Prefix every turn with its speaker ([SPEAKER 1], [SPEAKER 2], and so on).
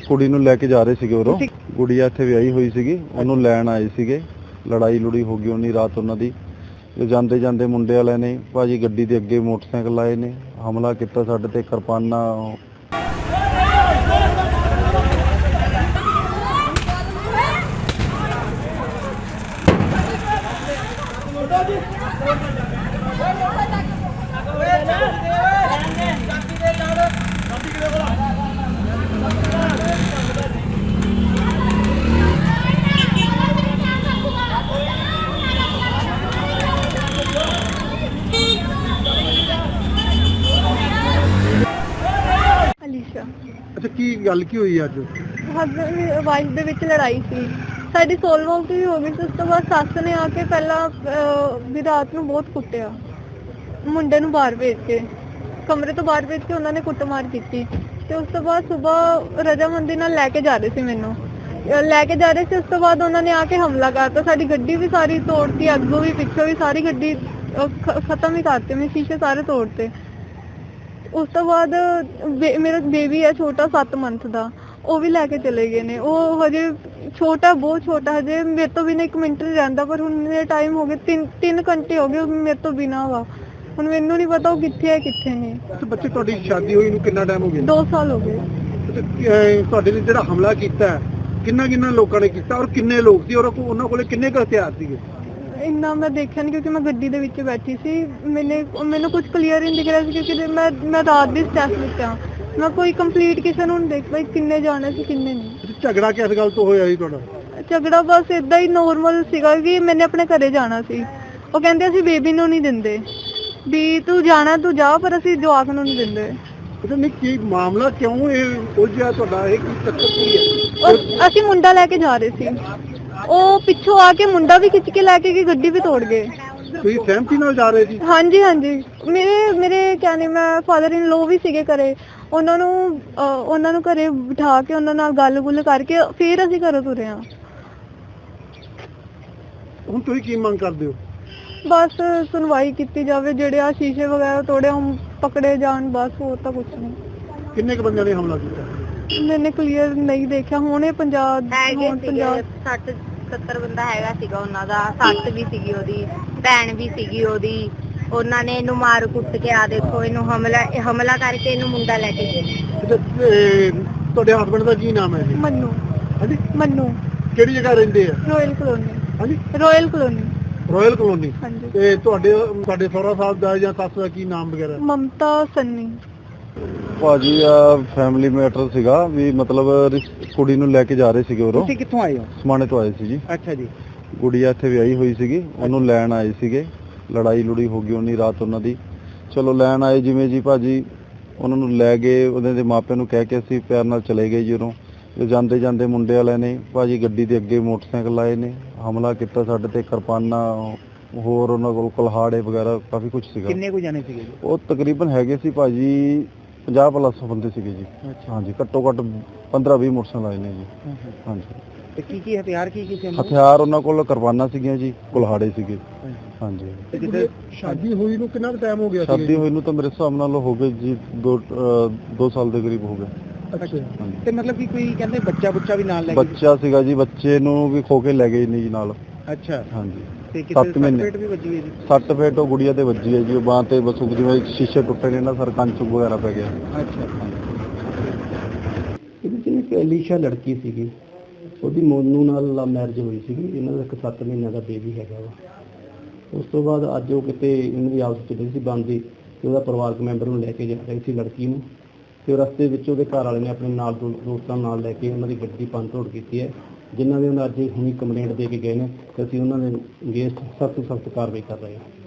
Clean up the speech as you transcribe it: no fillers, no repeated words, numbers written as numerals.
[SPEAKER 1] ਕੁੜੀ ਨੂੰ ਲੈ ਕੇ ਜਾ ਰਹੇ ਸੀਗੇ ਉਰੋਂ। ਗੁੜੀਆ ਇੱਥੇ ਵਿਆਹੀ ਹੋਈ ਸੀਗੀ, ਉਹਨੂੰ ਲੈਣ ਆਏ ਸੀਗੇ। ਲੜਾਈ ਲੁੜੀ ਹੋ ਗਈ ਉਨੀ ਰਾਤ ਉਹਨਾਂ ਦੀ। ਜਾਂਦੇ ਜਾਂਦੇ ਮੁੰਡੇ ਵਾਲਿਆਂ ਨੇ ਭਾਜੀ ਗੱਡੀ ਦੇ ਅੱਗੇ ਮੋਟਰਸਾਈਕਲ ਆਏ ਨੇ, ਹਮਲਾ ਕੀਤਾ ਸਾਡੇ ਤੇ, ਕਿਰਪਾਨਾਂ।
[SPEAKER 2] ਅਲੀਸ਼ਾ।
[SPEAKER 3] ਅੱਛਾ, ਕੀ ਗੱਲ ਕੀ ਹੋਈ ਅੱਜ?
[SPEAKER 2] ਹਸਬੈਂਡ ਵਾਈਫ ਦੇ ਵਿੱਚ ਲੜਾਈ ਸੀ ਸਾਡੀ, ਸੋਲਵ ਵੀ ਹੋ ਗਈ ਸੀ। ਉਸ ਤੋਂ ਬਾਅਦ ਸੱਸ ਨੇ ਆ ਕੇ ਪਹਿਲਾਂ ਵੀ ਰਾਤ ਨੂੰ ਬਹੁਤ ਕੁੱਟਿਆ, ਮੁੰਡੇ ਨੂੰ ਬਾਹਰ ਭੇਜ ਕੇ, ਕਮਰੇ ਤੋਂ ਬਾਹਰ ਭੇਜ ਕੇ ਉਹਨਾਂ ਨੇ ਕੁੱਟਮਾਰ ਕੀਤੀ। ਤੇ ਉਸ ਤੋਂ ਬਾਅਦ ਸਵੇਰ ਰਜਾਮੰਦੀ ਨਾਲ ਲੈ ਕੇ ਜਾ ਰਹੇ ਸੀ, ਮੈਨੂੰ ਲੈ ਕੇ ਜਾ ਰਹੇ ਸੀ। ਉਸ ਤੋਂ ਬਾਅਦ ਉਹਨਾਂ ਨੇ ਆ ਕੇ ਹਮਲਾ ਕਰਤਾ, ਸਾਡੀ ਗੱਡੀ ਵੀ ਸਾਰੀ ਤੋੜਤੀ, ਅੱਗੋਂ ਵੀ ਪਿੱਛੋਂ ਵੀ ਸਾਰੀ ਗੱਡੀ ਖਤਮ ਹੀ ਕਰਤੀ, ਮੇਰੇ ਸ਼ੀਸ਼ੇ ਸਾਰੇ ਤੋੜਤੇ। ਉਸ ਤੋਂ ਬਾਅਦ ਮੇਰਾ ਬੇਬੀ ਹੈ ਛੋਟਾ 7 ਮੰਥ ਦਾ, ਉਹ ਵੀ ਲੈ ਕੇ ਚਲੇ ਗਏ ਨੇ। ਉਹ ਹਜੇ ਛੋਟਾ, ਬਹੁਤ ਛੋਟਾ, ਹਜੇ ਮੇਰੇ ਤੋਂ ਬਿਨਾਂ 1 ਮਿੰਟ ਨਹੀਂ ਰਹਿੰਦਾ। ਪਰ ਹੁਣ ਮੇਰੇ ਟਾਈਮ ਹੋ ਗਏ 3 ਘੰਟੇ ਹੋ ਗਏ ਮੇਰੇ ਤੋਂ ਬਿਨਾਂ ਵਾ। ਹੁਣ ਮੈਨੂੰ ਨਹੀਂ ਪਤਾ ਉਹ ਕਿੱਥੇ ਹੈ ਕਿੱਥੇ ਨਹੀਂ।
[SPEAKER 3] ਅੱਛਾ, ਬੱਚੇ ਤੁਹਾਡੀ ਸ਼ਾਦੀ ਹੋਈ ਨੂੰ ਕਿੰਨਾ ਟਾਈਮ ਹੋ ਗਿਆ?
[SPEAKER 2] 2 ਸਾਲ ਹੋ ਗਏ।
[SPEAKER 3] ਤੁਹਾਡੇ ਨੇ ਜਿਹੜਾ ਹਮਲਾ ਕੀਤਾ, ਕਿੰਨਾ ਲੋਕਾਂ ਨੇ ਕੀਤਾ ਔਰ ਕਿੰਨੇ ਲੋਕ ਸੀ ਔਰ ਉਹਨਾਂ ਕੋਲੇ ਕਿੰਨੇ ਕੁ ਹਥਿਆਰ ਸੀਗੇ?
[SPEAKER 2] ਇੰਨਾ ਮੈਂ ਦੇਖਿਆ ਨਹੀਂ ਕਿਉਂਕਿ ਮੈਂ ਗੱਡੀ ਦੇ ਵਿੱਚ ਬੈਠੀ ਸੀ। ਮੈਨੂੰ ਕੁਝ ਕਲੀਅਰ ਨਹੀਂ ਦਿਖ ਰਿਹਾ ਸੀ ਕਿਉਂਕਿ ਮੈਂ ਰਾਤ ਦੀ ਸਟੈਪ ਵਿੱਚ ਆ। ਮੈਂ ਕੋਈ ਕੰਪਲੀਟ ਕਿਸੇ ਨੂੰ ਨਹੀਂ ਦੇਖ ਪਾਈ ਕਿੰਨੇ ਜਾਣੇ ਸੀ ਕਿੰਨੇ ਨਹੀਂ।
[SPEAKER 3] ਝਗੜਾ ਕਿਸ ਗੱਲ ਤੋਂ ਹੋਇਆ ਸੀ ਤੁਹਾਡਾ?
[SPEAKER 2] ਝਗੜਾ ਬਸ ਇਦਾਂ ਹੀ ਨੋਰਮਲ ਸੀਗਾ ਕਿ ਮੈਨੇ ਆਪਣੇ ਘਰੇ ਜਾਣਾ ਸੀ। ਉਹ ਕਹਿੰਦੇ ਅਸੀਂ ਬੇਬੀ ਨੂੰ ਨਹੀਂ ਦਿੰਦੇ, ਵੀ ਤੂੰ ਜਾਣਾ ਤੂੰ ਜਾ, ਪਰ ਅਸੀਂ ਜਵਾਕ ਨੂੰ ਨਹੀਂ ਦਿੰਦੇ।
[SPEAKER 3] ਪਤਾ ਨਹੀਂ ਕੀ ਮਾਮਲਾ, ਕਿਉਂ ਇਹ ਉਲਝਿਆ ਤੁਹਾਡਾ? ਇਹ ਕੀ ਚੱਕਰ ਕੀ ਹੈ?
[SPEAKER 2] ਅਸੀਂ ਮੁੰਡਾ ਲੈ ਕੇ ਜਾ ਰਹੇ ਸੀ, ਉਹ ਪਿੱਛੋਂ ਆ ਕੇ ਮੁੰਡਾ ਵੀ ਖਿੱਚ ਕੇ ਲੈ ਕੇ ਗਈ, ਗੱਡੀ ਵੀ ਤੋੜ ਗਏ।
[SPEAKER 3] ਤੁਸੀਂ ਸਹਿਮਤੀ ਨਾਲ ਜਾ ਰਹੇ ਸੀ?
[SPEAKER 2] ਹਾਂਜੀ ਹਾਂਜੀ, ਮੇਰੇ ਕਹਿੰਦੇ ਮੈਂ ਫਾਦਰ ਇਨ ਲੋ ਵੀ ਸੀਗੇ ਘਰੇ। ਉਹਨਾਂ ਨੂੰ ਘਰੇ ਬਿਠਾ ਕੇ ਉਹਨਾਂ ਨਾਲ ਗੱਲ-ਗੁੱਲ ਕਰਕੇ ਫਿਰ ਅਸੀਂ ਘਰੋਂ ਤੁਰੇ ਹਾਂ।
[SPEAKER 3] ਹੁਣ ਤੁਸੀਂ ਕੀ ਮੰਗ ਕਰਦੇ ਹੋ?
[SPEAKER 2] ਬਸ ਸੁਣਵਾਈ ਕੀਤੀ ਜਾਵੇ, ਜਿਹੜੇ ਆ ਸ਼ੀਸ਼ੇ ਵਗੈਰਾ ਤੋੜੇ ਉਹ ਪਕੜੇ ਜਾਣ, ਬਸ ਹੋਰ ਤਾਂ ਕੁਝ ਨਹੀਂ।
[SPEAKER 3] ਕਿੰਨੇ ਕੁ ਬੰਦਿਆਂ ਨੇ ਹਮਲਾ ਕੀਤਾ?
[SPEAKER 2] ਮੈਨੇ ਕਲੀਅਰ ਨਹੀਂ ਦੇਖਿਆ। ਹੁਣ ਇਹ
[SPEAKER 4] 60-70 ਬੰਦਾ ਹੈਗਾ ਸੀਗਾ ਉਹਨਾਂ ਦਾ। ਸੱਸ ਵੀ ਸੀਗੀ ਉਹਦੀ, ਭੈਣ ਵੀ ਸੀਗੀ ਉਹਦੀ। ਉਹਨਾਂ ਨੇ ਇਹਨੂੰ ਮਾਰ ਕੁੱਟ ਕੇ ਆ ਦੇਖੋ ਇਹਨੂੰ ਹਮਲਾ ਕਰਕੇ ਇਹਨੂੰ ਮੁੰਡਾ ਲੈ ਕੇ ਗਏ।
[SPEAKER 3] ਤੁਹਾਡੇ ਹਸਬੰਡ ਦਾ ਕੀ ਨਾਮ ਹੈ ਜੀ?
[SPEAKER 2] ਮੰਨੂ।
[SPEAKER 3] ਹਾਂਜੀ,
[SPEAKER 2] ਮੰਨੂ।
[SPEAKER 3] ਕਿਹੜੀ ਜਗ੍ਹਾ ਰਹਿੰਦੇ ਆ?
[SPEAKER 2] Royal colony.
[SPEAKER 3] ਹਾਂਜੀ,
[SPEAKER 2] ਰਾਇਲ ਕਲੋਨੀ।
[SPEAKER 3] Royal colony.
[SPEAKER 2] ਹਾਂਜੀ।
[SPEAKER 3] ਤੇ ਤੁਹਾਡੇ ਸਹੁਰਾ ਸਾਹਿਬ ਦਾ ਜਾਂ ਸੱਸ ਦਾ ਕੀ ਨਾਮ ਵਗੈਰਾ?
[SPEAKER 2] ਮਮਤਾ ਸੰਨੀ।
[SPEAKER 1] ਭਾਜੀ ਆ ਫੈਮਿਲੀ ਮੈਟਰ ਸੀਗਾ ਵੀ, ਮਤਲਬ ਕੁੜੀ ਨੂੰ ਲੈ ਕੇ ਜਾ ਰਹੇ ਸੀਗੇ ਉਰੋਂ।
[SPEAKER 3] ਤੁਸੀਂ ਕਿੱਥੋਂ ਆਏ ਹੋ?
[SPEAKER 1] ਸਮਾਣੇ ਤੋਂ ਆਏ ਸੀ ਜੀ।
[SPEAKER 3] ਅੱਛਾ ਜੀ।
[SPEAKER 1] ਗੁੜੀਆ ਇੱਥੇ ਵਿਆਹੀ ਹੋਈ ਸੀਗੀ, ਉਹਨੂੰ ਲੈਣ ਆਏ ਸੀਗੇ। ਲੜਾਈ ਲੁੜੀ ਹੋ ਗਈ ਉਨੀ ਰਾਤ ਉਹਨਾਂ ਦੀ। ਚਲੋ ਲੈਣ ਆਏ ਜਿਵੇਂ ਜੀ ਭਾਜੀ, ਉਹਨਾਂ ਨੂੰ ਲੈ ਗਏ। ਉਹਦੇ ਦੇ ਮਾਪਿਆਂ ਨੂੰ ਕਹਿ ਕੇ ਅਸੀਂ ਪਿਆਰ ਨਾਲ ਚਲੇ ਗਏ ਜੀ ਉਰੋਂ। ਜਾਂਦੇ ਜਾਂਦੇ ਮੁੰਡੇ ਵਾਲਿਆਂ ਨੇ ਭਾਜੀ ਗੱਡੀ ਦੇ ਅੱਗੇ ਮੋਟਰਸਾਈਕਲ ਆਏ ਨੇ, ਹਮਲਾ ਕੀਤਾ ਸਾਡੇ ਤੇ, ਕਿਰਪਾਨਾਂ, ਹੋਰ ਉਹਨਾਂ ਕੋਲ ਕੁਲਹਾੜੇ ਵਗੈਰਾ ਕਾਫੀ ਕੁਝ ਸੀਗਾ।
[SPEAKER 3] ਕਿੰਨੇ ਕੁ ਜਾਣੇ ਸੀਗੇ?
[SPEAKER 1] ਉਹ ਤਕਰੀਬਨ ਹੈਗੇ ਸੀ ਭਾਜੀ 50+ ਬੰਦੇ ਸੀਗੇ ਜੀ। ਹਾਂਜੀ, ਘੱਟੋ ਘੱਟ 15-20 ਮੋਟਰਸਾਈਕਲ ਆਏ ਨੇ ਜੀ। ਹਾਂਜੀ।
[SPEAKER 3] ਤੇ ਕੀ ਹਥਿਆਰ ਕੀ ਸੀ?
[SPEAKER 1] ਹਥਿਆਰ ਉਹਨਾਂ ਕੋਲ ਕਿਰਪਾਨਾਂ ਸੀਗੀਆਂ ਜੀ, ਕੁਲਹਾੜੇ ਸੀਗੇ। ਹਾਂਜੀ।
[SPEAKER 3] ਤੇ ਕਿਤੇ ਸ਼ਾਦੀ ਹੋਈ ਨੂੰ ਕਿੰਨਾ ਟਾਈਮ ਹੋ ਗਿਆ?
[SPEAKER 1] ਸ਼ਾਦੀ ਹੋਈ ਨੂੰ ਤਾਂ ਮੇਰੇ ਹਿਸਾਬ ਨਾਲ ਹੋ ਗਏ ਜੀ 2 ਸਾਲ ਦੇ ਕਰੀਬ ਹੋ ਗਏ।
[SPEAKER 3] ਅੱਛਾ। ਤੇ ਮਤਲਬ ਕਿ ਕੋਈ ਕਹਿੰਦੇ ਬੱਚਾ ਵੀ ਨਾਲ ਲੈ ਕੇ?
[SPEAKER 1] ਬੱਚਾ ਸੀਗਾ ਜੀ, ਬੱਚੇ ਨੂੰ ਵੀ ਖੋ ਕੇ ਲੈ ਗਏ ਨਹੀਂ ਜੀ ਨਾਲ।
[SPEAKER 3] ਅੱਛਾ।
[SPEAKER 1] ਹਾਂਜੀ।
[SPEAKER 3] ਤੇ ਕਿਤੇ ਪੇਟ ਵੀ ਵੱਜੀ ਹੈ ਜੀ?
[SPEAKER 1] 6 ਫੇਟ ਉਹ ਗੁੜੀਆ ਤੇ ਵੱਜੀ ਹੈ ਜੀ, ਉਹ ਬਾਂਹ ਤੇ ਬਸ ਜਿਵੇਂ ਸ਼ੀਸ਼ੇ ਟੁੱਟੇ ਨੇ ਨਾ ਸਰ, ਕੰਚ ਵਗੈਰਾ ਪੈ ਗਿਆ।
[SPEAKER 3] ਅੱਛਾ।
[SPEAKER 5] ਇਹਦੇ 'ਚ ਇੱਕ ਅਲੀਸ਼ਾ ਲੜਕੀ ਸੀਗੀ, ਉਹਦੀ ਮੋਨੂ ਨਾਲ ਲਵ ਮੈਰਿਜ ਹੋਈ ਸੀਗੀ। ਇਹਨਾਂ ਦਾ ਇੱਕ 7 ਮਹੀਨਿਆਂ ਦਾ ਬੇਬੀ ਹੈਗਾ ਵਾ। ਉਸ ਤੋਂ ਬਾਅਦ ਅੱਜ ਉਹ ਕਿਤੇ ਇਹਨਾਂ ਦੀ ਆਪਸ 'ਚ ਸੀ ਬਣਦੀ, ਤੇ ਉਹਦਾ ਪਰਿਵਾਰਕ ਮੈਂਬਰ ਨੂੰ ਲੈ ਕੇ ਜਾ ਰਹੀ ਸੀ ਲੜਕੀ ਨੂੰ, ਤੇ ਰਸਤੇ ਵਿੱਚ ਉਹਦੇ ਘਰ ਵਾਲੇ ਨੇ ਆਪਣੇ ਨਾਲ ਦੋਸਤਾਂ ਨਾਲ ਲੈ ਕੇ ਉਹਨਾਂ ਦੀ ਗੱਡੀ ਭੰਨ ਤੋੜ ਕੀਤੀ ਹੈ, ਜਿਨ੍ਹਾਂ ਦੇ ਉਹਨਾਂ ਅੱਜ ਹੁਣੀ ਕੰਪਲੇਂਟ ਦੇ ਕੇ ਗਏ ਨੇ। ਤੇ ਅਸੀਂ ਉਹਨਾਂ ਦੇ ਅਗੇਂਸਟ ਸਖਤ ਤੋਂ ਸਖਤ ਕਾਰਵਾਈ ਕਰ ਰਹੇ ਹਾਂ।